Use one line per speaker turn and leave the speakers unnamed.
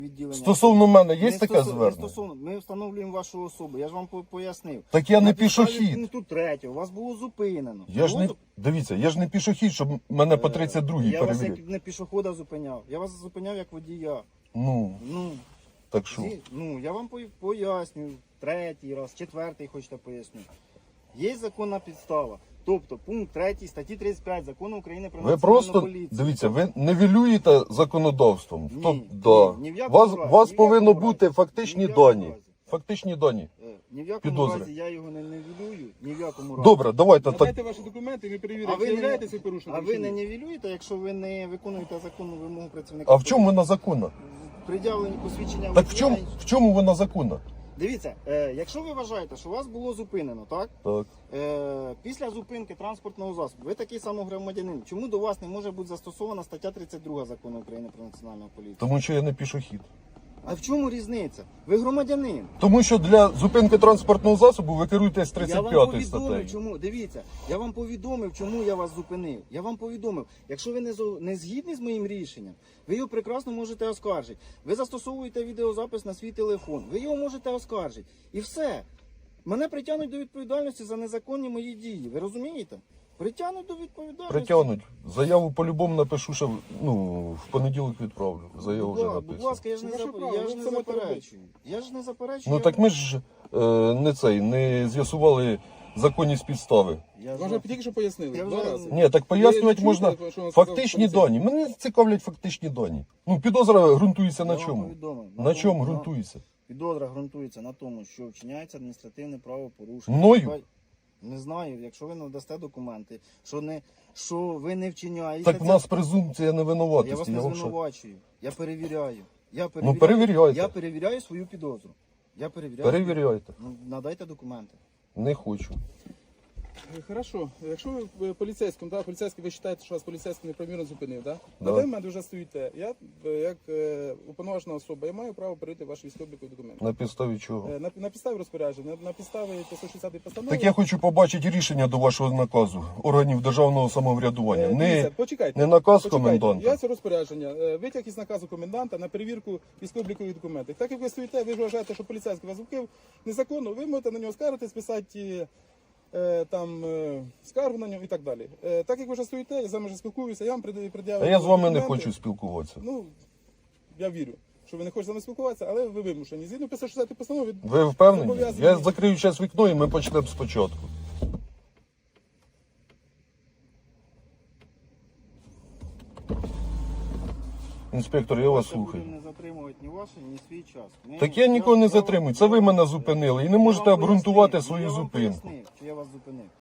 відділення.
Стосовно мене є
Не
таке
стосовно-
звернення?
не стосовно. Ми встановлюємо вашу особу. Я ж вам пояснив.
Так я не
На підставі
пішохід.
пункту 3 вас було зупинено.
Я ж не, дивіться, я ж не пішохід, щоб мене по 32-й
Я вас
перевірити.
як не пішохода зупиняв. Я вас зупиняв як водія.
Ну,
Ну,
так що?
я вам пояснюю. 3-й раз, 4-й хочете поясню. Є законна підстава. Тобто пункт 3 статті 35 Закону України про
Ви
національну
просто,
поліцію.
дивіться, ви нівелюєте законодавством.
Ні,
Да.
ні в якому
Вас,
разі,
вас
ні в
повинно
якому
бути
разі.
фактичні
Ні в якому
дані.
разі.
Фактичні дані.
Ні в якому
Підозри.
разі я його не нівелюю, ні в якому разі.
Добре, давайте так.
Надайте ваші документи, ми перевіримо,
А ви
чи
не-
являєтеся порушником.
А ви
чи
не
ні.
нівелюєте, якщо ви не виконуєте законну вимогу працівника?
А в чому вона законна?
Пред'явлені посвідчення
Так
водія.
в чому вона законна?
Дивіться, якщо ви вважаєте, що вас було зупинено, так?
Так.
Після зупинки транспортного засобу, ви такий самий громадянин. Чому до вас не може бути застосована стаття 32 Закону України про національну поліцію?
Тому що я не пішохід.
А в чому різниця? Ви громадянин.
Тому що для зупинки транспортного засобу ви керуєтесь
Я вам
35
повідомив,
статтею.
чому. Дивіться, я вам повідомив, чому я вас зупинив. Я вам повідомив, якщо ви не згідні з моїм рішенням, ви його прекрасно можете оскаржити. Ви застосовуєте відеозапис на свій телефон, ви його можете оскаржити. І все. Мене притягнуть до відповідальності за незаконні мої дії. Ви розумієте? Притягнуть до відповідальності.
Притягнуть. Заяву по-любому напишу, що в понеділок відправлю. Заяву вже
Будь
написано.
ласка, я ж не,
Ваше право,
я ж
ви
не
це можете
заперечую. Я ж не заперечую.
Ну так ми ж не з'ясували законність підстави.
Я
Вам
ж-
же тільки що пояснили,
Я
2
вже-
рази.
Ні, так пояснювати
чуєте,
можна
що вам сказав
фактичні
поліцейський?
дані. Мене цікавлять фактичні дані. Ну, підозра ґрунтується на
Я вам
чому?
повідомив.
На чому
тому-
ґрунтується?
Підозра ґрунтується на тому, що вчиняється адміністративне правопорушення.
Мною?
Не знаю, якщо ви надасте документи, що ви не вчиняєте.
Так в нас презумпція
Я вас
невинуватості.
не
Я вам що?
звинувачую. Я перевіряю.
Ну перевіряйте.
Я перевіряю свою підозру. Я перевіряю.
Перевіряйте.
Ну, надайте документи.
Не хочу.
Хорошо. Якщо ви поліцейським, да, поліцейський, ви вважаєте, що вас поліцейський неправомірно зупинив, да?
Да.
На даний момент ви вже стоїте. Я, як уповноважена особа, я маю право перевірити ваші військово-облікові документи.
На підставі чого?
На підставі розпорядження, на підставі 560 постанови.
Так я хочу побачити рішення до вашого наказу органів державного самоврядування.
Дивіться, почекайте.
не наказ
Почекайте.
коменданта.
Я це розпорядження. Витяг із наказу коменданта на перевірку військово-облікових документів. Так як ви стоїте, ви ж вважаєте, що поліцейський вас зупинив незаконно, ви можете на нього скаржитись, писати скаргу на нього і так далі. Так як ви вже стоїте, я з вами вже спілкуюся, я вам пред'явив.
А я з вами не
документи.
хочу спілкуватися.
Ну, я вірю, що ви не хочете з нами спілкуватися, але ви вимушені. Згідно 560 постанови.
Ви впевнені?
Зобов'язані.
Я закрию зараз вікно і ми почнемо спочатку. Інспектор, я вас
Це
слухаю.
будемо не затримувати ні ваше, ні свій час.
Так я нікого не затримую. Це ви мене зупинили і не можете
Я вам
обґрунтувати
пояснив,
свою
я вам
зупинку.
пояснив, що я вас зупинив.